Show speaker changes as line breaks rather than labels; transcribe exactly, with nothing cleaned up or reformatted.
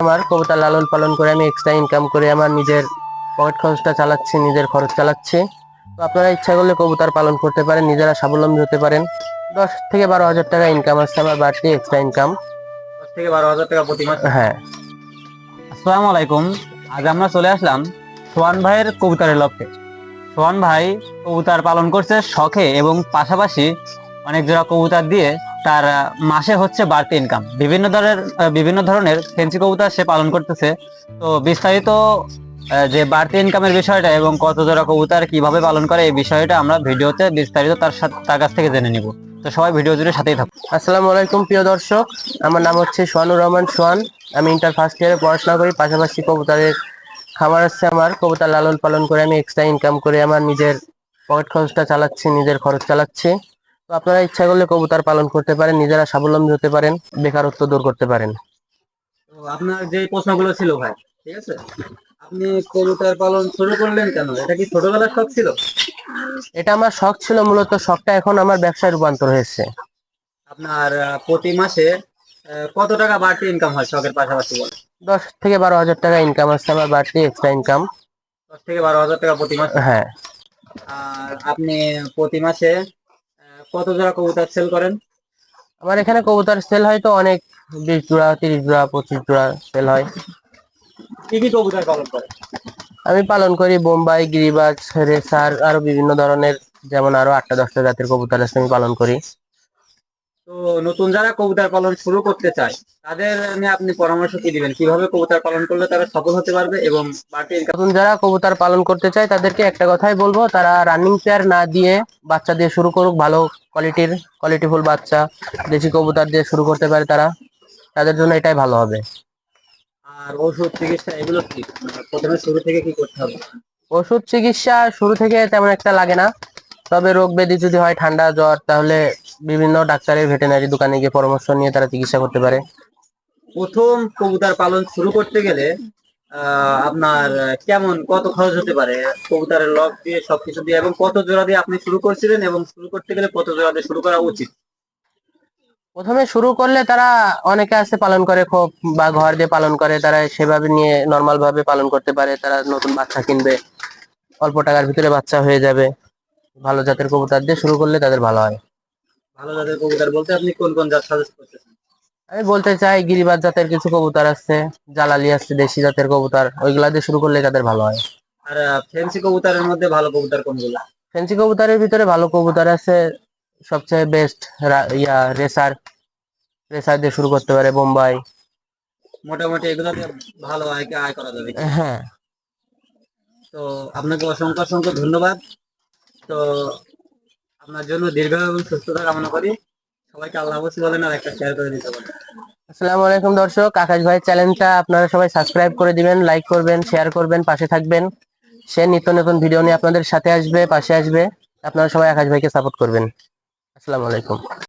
আমার কবুতর লালন পালন করে আমি এক্সট্রা ইনকাম করে আমার নিজের পকেট খরচটা চালাচ্ছি, নিজের খরচ চালাচ্ছি। তো আপনারা ইচ্ছা করলে কবুতর পালন করতে পারেন, নিজেরা স্বাবলম্বী হতে পারেন। দশ থেকে বারো হাজার টাকা ইনকাম আসছে আমার বাড়তি এক্সট্রা ইনকাম।
দশ থেকে বারো হাজার টাকা প্রতি মাসে।
হ্যাঁ।
আসসালামু আলাইকুম। আজ আমরা চলে আসলাম সোহান ভাইয়ের কবুতরের লফটে। সোহান ভাই কবুতর পালন করছে শখে এবং পাশাপাশি অনেক জোড়া কবুতর দিয়ে তার আহ, মাসে হচ্ছে বাড়তি ইনকাম। বিভিন্ন ধরনের আহ, বিভিন্ন ধরনের ফেন্সি কবুতর সে পালন করতেছে। তো বিস্তারিত আহ, যে বাড়তি ইনকামের বিষয়টা এবং কত জোড়া কবুতর কিভাবে পালন করে এই বিষয়টা আমরা ভিডিওতে বিস্তারিত তার সাথে তার কাছ থেকে জেনে নিব। তো সবাই ভিডিও জুড়ে সাথেই থাকুন।
আসসালামু আলাইকুম প্রিয় দর্শক, আমার নাম হচ্ছে সোহানুর রহমান সোহান। আমি ইন্টার ফার্স্ট ইয়ারে পড়াশোনা করি, পাশাপাশি কবুতরের খামার আছে আমার। কবুতর লালন পালন করে আমি এক্সট্রা ইনকাম করে আমার নিজের পকেট খরচটা চালাচ্ছি, নিজের খরচ চালাচ্ছি। তো আপনারা ইচ্ছা করলে কবুতর পালন করতে পারেন, নিজেরা স্বাবলম্বী হতে পারেন, বেকারত্ব দূর করতে পারেন।
তো আপনার যে প্রশ্নগুলো ছিল ভাই, ঠিক আছে, আপনি কবুতর পালন শুরু করলেন কেন? এটা কি ছোটবেলার শখ ছিল?
এটা আমার শখ ছিল মূলত, শখটা এখন আমার ব্যবসায় রূপান্তর হয়েছে।
আপনার আহ, প্রতি মাসে আহ, কত টাকা বাড়তি ইনকাম হয় শখের পাশাপাশি বলে?
দশ থেকে বারো হাজার টাকা ইনকাম আসছে আমার বাড়তি এক্সট্রা ইনকাম।
দশ থেকে বারো হাজার টাকা প্রতি মাসে।
হ্যাঁ।
আর আপনি প্রতি মাসে আহ, কত জোড়া কবুতর সেল করেন?
আমার এখানে কবুতর সেল হয় তো অনেক, বিশ জোড়া, তিরিশ জোড়া, পঁচিশ জোড়া সেল হয়।
কি কি কবুতর পালন করেন?
আমি পালন করি বোম্বাই, গিরিবাজ, রেসার, আরো বিভিন্ন ধরনের, যেমন আরো আটটা দশটা জাতের কবুতর আছে আমি পালন করি।
তো নতুন যারা কবুতর পালন শুরু করতে চায় তাদের নিয়ে আপনি পরামর্শ কি দিবেন? কিভাবে কবুতর পালন করলে তারা সফল হতে পারবে এবং বাড়তি ইনকাম?
নতুন যারা কবুতর পালন করতে চায় তাদেরকে একটা কথাই বলবো, তারা রানিং পেয়ার না দিয়ে বাচ্চা দিয়ে শুরু করুক। ভালো কোয়ালিটির, কোয়ালিটিফুল বাচ্চা দেশি কবুতর দিয়ে শুরু করতে পারে তারা, তাদের জন্য এটাই ভালো হবে।
আর ওষুধ চিকিৎসা এগুলো কি মানে প্রথমে শুরু থেকে কি করতে হবে?
ওষুধ চিকিৎসা শুরু থেকে তেমন একটা লাগে না, তবে রোগ ব্যাধি যদি হয়, ঠান্ডা জ্বর, তাহলে বিভিন্ন ডাক্তারের ভেটেরিনারি দোকানে গিয়ে পরামর্শ নিয়ে তারা চিকিৎসা করতে পারে।
প্রথম কবুতর পালন শুরু করতে গেলে আহ আপনার আহ, কেমন কত খরচ হতে পারে? কবুতরের লক দিয়ে সবকিছু দিয়ে এবং কত জোড়া দিয়ে আপনি শুরু করছিলেন এবং শুরু করতে গেলে কত জোড়া দিয়ে শুরু করা উচিত?
প্রথমে শুরু করলে তারা, অনেকে আছে পালন করে খোপ বা ঘর দিয়ে পালন করে, তারা সেভাবে নিয়ে নর্মাল ভাবে পালন করতে পারে। তারা নতুন বাচ্চা কিনবে, অল্প টাকার ভিতরে বাচ্চা হয়ে যাবে। ভালো জাতের কবুতর দিয়ে শুরু করলে তাদের ভালো হয়।
ভালো জাতের কবুতর বলতে আপনি কোন কোন জাত সাজেস্ট করতেছেন?
আমি বলতে চাই গিরিবাজ জাতের কিছু কবুতর আছে, জালালি আছে, দেশি জাতের কবুতর, ওইগুলা দিয়ে শুরু করলে তাদের ভালো হয়।
আর ফেন্সি কবুতরের মধ্যে ভালো কবুতর কোনগুলো?
ফেন্সি কবুতরের ভিতরে ভালো কবুতর আছে, সবচেয়ে বেস্ট ইয়া রেসার। রেসার দিয়ে শুরু করতে পারে, বোম্বাই।
মোটামুটি এগুলোতে ভালো আয় আয় করা যাবে কি?
হ্যাঁ।
তো আপনাকে অসংখ্য অসংখ্য ধন্যবাদ। তো আপনার জন্য দীর্ঘ এবং সুস্থতা কামনা করি। সবাইকে আল্লাহ হাফেজ বলেন আর একটা শেয়ার করে দিতে পারেন।
আসসালামু আলাইকুম দর্শক, আকাশ ভাই চ্যানেলটা আপনারা সবাই সাবস্ক্রাইব করে দিবেন, লাইক করবেন, শেয়ার করবেন, পাশে থাকবেন। সে নিত্য নতুন ভিডিও নিয়ে আপনাদের সাথে আসবে, পাশে আসবে। আপনারা সবাই আকাশ ভাইকে সাপোর্ট করবেন। আসসালামু আলাইকুম।